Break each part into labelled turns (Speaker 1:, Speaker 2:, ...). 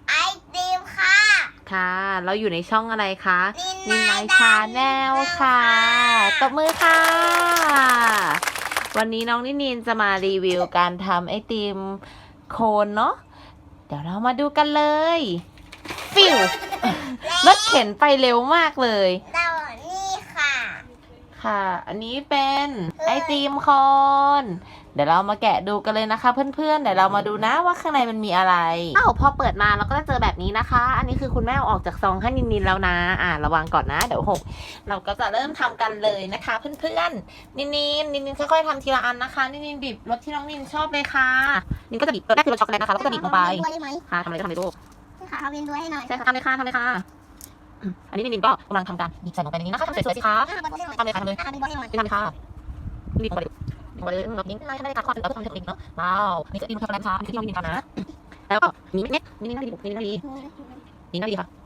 Speaker 1: ไอติมค่ะ
Speaker 2: ค่ะ เราอยู่ในช่องอะไรคะ
Speaker 1: นิน
Speaker 2: นาย
Speaker 1: าย
Speaker 2: ชาแนลค่ะตบมือค่ะ วันนี้น้องนินจะมารีวิวการทำไอติมโคนเนาะ เดี๋ยวเรามาดูกันเลย ฟิว รถเข็นไปเร็วมากเลย
Speaker 1: เรานี่ค่ะ
Speaker 2: ค่ะ อันนี้เป็นไอติมโคน เดี๋ยวเรามาแกะดูกันเลยนะคะเพื่อนๆ เดี๋ยวเรามาดูนะว่าข้างในมันมีอะไรพอเปิดมาเราก็จะเจอแบบนี้นะคะ อันนี้คือคุณแม่เอาออกจากซองให้นินแล้วนะ ระวังก่อนนะ เดี๋ยวหก เราก็จะเริ่มทำกันเลยนะคะเพื่อนๆ นินค่อยๆทำทีละอันนะคะ นินบีบรสที่น้องนินชอบเลยค่ะ นินก็จะบีบรสแรกคือรสช็อกโกแลตนะคะ แล้วก็จะบีบลงไป ค่ะทำอะไรก็ทำเลยลูก
Speaker 1: ค่ะเอาเป็นด้วยให้หน่อย
Speaker 2: ใช่ค่ะทำเลยค่ะอันนี้นินก็กำลังทำการบีบใส่ลงไปในนี้นะคะทำสวยๆสิคะทำเลยค่ะทำเลย
Speaker 1: เป็นด้วยให้หน่อย
Speaker 2: ทำเลยค่ะบีบลงไปเลยเราดิ้งได้ไม่ได้ค่ะความเราทำให้ตัวเองเนาะว้าวนี่จะดิ้งช็อกโกแลตค่ะนี่ที่น้องนินทำนะแล้วก็นี่เม็ดนี่น่าดีนี่น่าดีนี่น่าดีค่ะ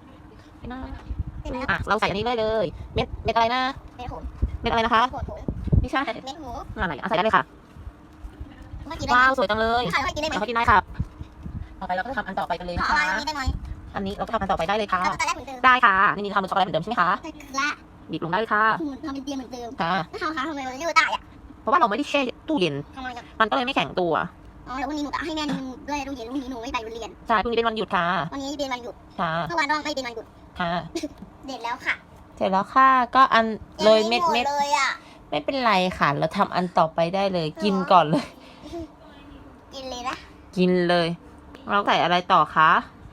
Speaker 2: เราใส่อันนี้ได้เลยเม็ดอะไรนะ
Speaker 1: เม็ดหู
Speaker 2: เม็ดอะไรนะคะ
Speaker 1: โขดหู
Speaker 2: ไม่ใช่
Speaker 1: เม็ดหู
Speaker 2: อะไรใส่ได้เลยค่ะ
Speaker 1: เมื่อกี้ได้
Speaker 2: ว้าวสวยจังเลย
Speaker 1: ค่ะเรากินได้ไหม
Speaker 2: เรากินได้ค่ะต่อไปเราก็จะทำอันต่อไปกันเลย
Speaker 1: ข
Speaker 2: นะ
Speaker 1: อ
Speaker 2: คะ
Speaker 1: อันนี้ได้ไหม
Speaker 2: อันนี้เราก็ทำอันต่อไปได้เลยค่ะ
Speaker 1: เราตอนแรกเหมือนเดิม
Speaker 2: ได้ค่ะนี่ทำเป็นช็อกโกแลตเหมือนเดิมใช่ไหมคะ
Speaker 1: ละ
Speaker 2: บีบลงได้เลยค่ะ
Speaker 1: ทำเป็นเตียงเหมือนเดิม
Speaker 2: ค่ะ
Speaker 1: ถ้าเขาคะทำไมมันยืดได้อะ
Speaker 2: เพราะว่าเราไม่ได้แช่ตู้เย็น
Speaker 1: ทำไมอะ
Speaker 2: มันก็เลยไม่แข็งตัว
Speaker 1: อ๋อเดี๋ยววันนี้หนูจะให้แม่ดูด้วยดูเย็นวันนี้หนูไม่ไปเรียน
Speaker 2: ใช่พรุ่งนี้เป็นวันหยุดค่ะ
Speaker 1: วันนี้เป็นวันหยุด
Speaker 2: ค่ะ
Speaker 1: เมื่อวานน้องไม่เป็นวันหยุด
Speaker 2: ค่ะ
Speaker 1: เด็ดแล้วค่ะ
Speaker 2: เสร็จแล้วค่ะก็อันโรยเม็ด
Speaker 1: เลยอ่ะ
Speaker 2: ไม่เป็นไรค่ะ เราทำอันต่อไปได้เลย กินก่อนเลย
Speaker 1: กินเลยนะ
Speaker 2: กินเลย เราใส่อะไรต่อคะ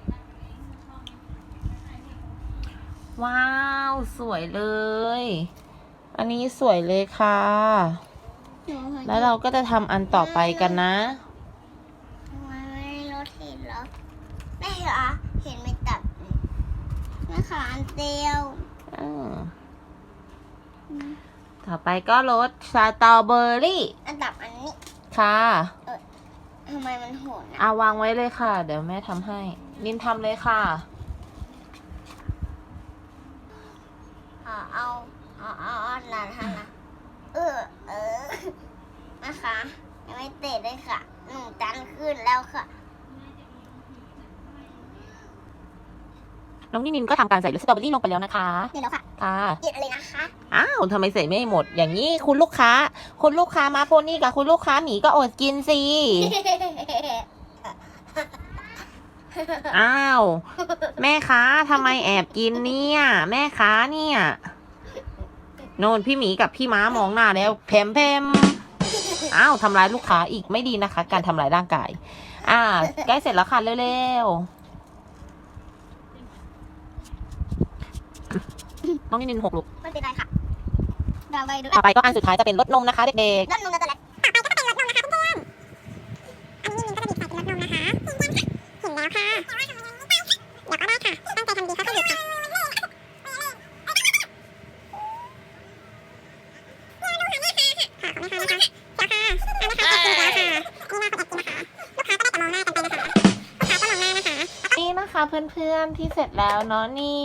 Speaker 2: ว้าวสวยเลย อันนี้สวยเลยค่ะ แล้วเราก็จะทำอันต่อไปกันนะ
Speaker 1: ทำไมไม่รถเห็นเหรอแม่เหรอเห็นไม่ตัดแม่ขาอันเดียว
Speaker 2: ต่อไปก็รสสตรอเบอรี่
Speaker 1: อันดับอันนี้
Speaker 2: ค่ะ
Speaker 1: ทำไมมันโหดนะ
Speaker 2: เอาวางไว้เลยค่ะ เดี๋ยวแม่ทำให้ นินทำเลยค่ะ
Speaker 1: เอาหลานทำนะนะคะยังไม่เตะเลยค่ะหนูจันขึ้นแล้วค่ะ
Speaker 2: น้องนินก็ทำการใส่รสสตรอเบอรี่ลงไปแล้วนะคะ
Speaker 1: เดี๋ยวแล้วค่ะ
Speaker 2: ค่ะ
Speaker 1: เย็ดเลยนะคะ
Speaker 2: อ้าวทำไมใส่ไม่หมด อย่างนี้คุณลูกค้ามาโพนี่กับคุณลูกค้าหมีก็อดกินสิ อ้าว แม่ค้าทำไมแอบกินเนี่ย แม่ค้าเนี่ยโน่นพี่หมีกับพี่ม้ามองหน้าแล้วแพมอ้าวทำร้ายลูกค้าอีกไม่ดีนะคะ การทำร้ายร่างกายใกล้เสร็จแล้วค่ะเร็วๆน้องนินหกลูก
Speaker 1: ไม่เป็นไรค่ะเราไปดู
Speaker 2: ต่อไปก็อันสุดท้ายจะเป็นรสนมนะคะเด็ก
Speaker 1: รถนมนั่นแหละต่อไปก็จะเป็นรถนมนะคะเพื่อนอันนี้ก็จะบีบใส่เป็นรถนมนะคะเห็นแล้วค่ะเดี๋ยวก็ได้ค่ะตั้งใจทำดีเขาก็หยุดค่ะ
Speaker 2: ๆนี่นะคะเพื่อนๆที่เสร็จแล้วเนาะนี่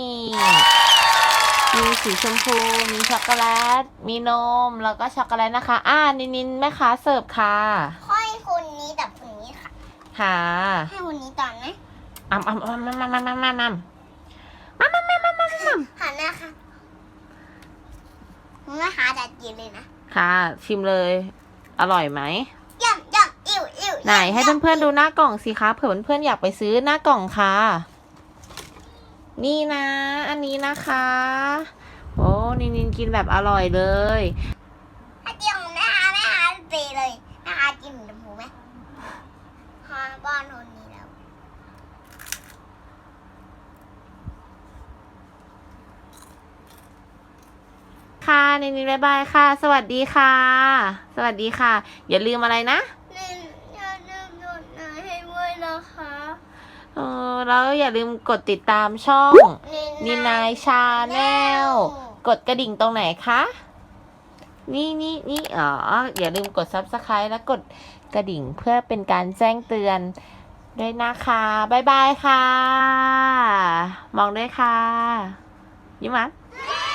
Speaker 2: มีสีชมพู มีช็อกโกแลต มีนม แล้วก็ช็อกโกแลตนะคะ นินแม่ค้าเสิร์ฟค่ะ
Speaker 1: ค่อยคนนี้กับคนนี้ค่ะ
Speaker 2: ค่ะ
Speaker 1: ให้คนนี้ก่อนนะ
Speaker 2: มา
Speaker 1: หันหน้าค่ะแม่ค้าจะกินเลยนะ
Speaker 2: ค่ะ ชิมเลย อร่อยไหม
Speaker 1: ย่ำอิ่ว
Speaker 2: ไหนให้เพื่อนๆดูหน้ากล่องสิคะ เผื่อเพื่อนๆอยากไปซื้อหน้ากล่องค่ะ นี่นะ อันนี้นะคะ โอ้นินกินแบบอร่อยเลย
Speaker 1: ถ้าเจียงแม่ค้าเปเลยแม่ค้ากินเหมือนหมูไหมฮาบ้านคนนี้แล้ว
Speaker 2: ค่ะนินบ๊ายบายค่ะ สวัสดีค่ะ สวัสดีค่ะ อย่าลืมอะไรนะ
Speaker 1: อย่าลืมกดไลค์ให้ด้วยนะคะ
Speaker 2: แล้วอย่าลืมกดติดตามช่องนินายชาแนลกดกระดิ่งตรงไหนคะนี่อย่าลืมกด Subscribe และกดกระดิ่งเพื่อเป็นการแจ้งเตือนด้วยนะคะบ๊ายบายค่ะ มองด้วยค่ะยิ้มหวาน